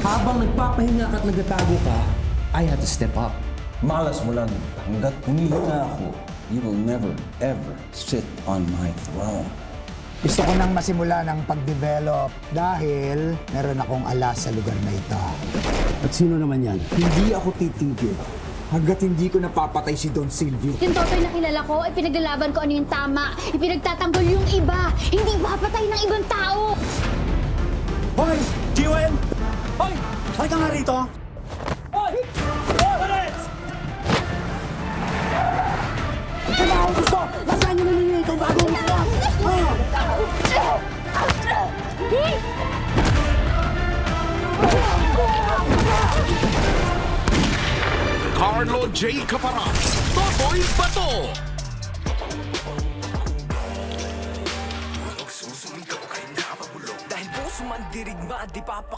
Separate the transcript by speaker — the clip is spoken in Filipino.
Speaker 1: Habang nagpapahinga ka at nagtatago ka, I had to step up.
Speaker 2: Malas mo lang. Hanggat humihinga ako, you will never, ever sit on my throne.
Speaker 3: Gusto ko nang masimula ng pag-develop dahil meron akong alas sa lugar na ito.
Speaker 1: At sino naman yan?
Speaker 3: Hindi ako titigil hanggat hindi ko napapatay si Don Silvio.
Speaker 4: Yung Totoy na kilala ko, ay pinaglalaban ko ano yung tama. Ipinagtatanggol yung iba. Hindi papatay ng ibang tao.
Speaker 3: Hoy! Jiwen! Hoy! Halika nga rito! Hoy! Pares! Ito ba ang gusto? Nasaan nyo naninili itong bagong ito?
Speaker 5: Carlo J. Caparas, Totoy Bato.
Speaker 6: Dahil puso man dirigma, di papa